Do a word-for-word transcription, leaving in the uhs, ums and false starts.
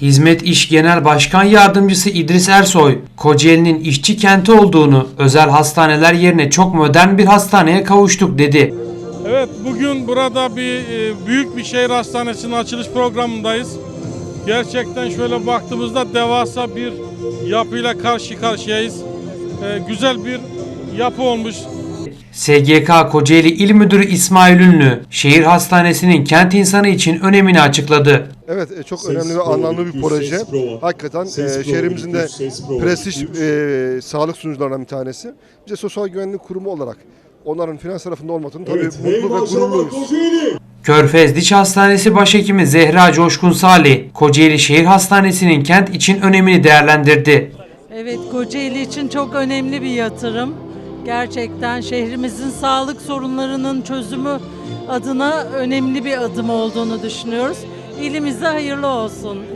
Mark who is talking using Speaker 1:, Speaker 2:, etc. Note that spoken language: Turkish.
Speaker 1: Hizmet İş Genel Başkan Yardımcısı İdris Ersoy, Kocaeli'nin işçi kenti olduğunu, özel hastaneler yerine çok modern bir hastaneye kavuştuk dedi.
Speaker 2: Evet, bugün burada bir büyük bir şehir hastanesinin açılış programındayız. Gerçekten şöyle baktığımızda devasa bir yapıyla karşı karşıyayız. Güzel bir yapı olmuş.
Speaker 1: S G K Kocaeli İl Müdürü İsmail Ünlü, şehir hastanesinin kent insanı için önemini açıkladı.
Speaker 3: Evet, çok önemli ve anlamlı bir proje. Hakikaten e, şehrimizin de prestij e, sağlık sunucularından bir tanesi. Bize Sosyal Güvenlik Kurumu olarak onların finans tarafında olmadığını tabii evet, mutlu ve gururluyuz.
Speaker 1: Körfez Diş Hastanesi Başhekimi Zehra Coşkun Salih, Kocaeli Şehir Hastanesi'nin kent için önemini değerlendirdi.
Speaker 4: Evet, Kocaeli için çok önemli bir yatırım. Gerçekten şehrimizin sağlık sorunlarının çözümü adına önemli bir adım olduğunu düşünüyoruz. İlimize hayırlı olsun.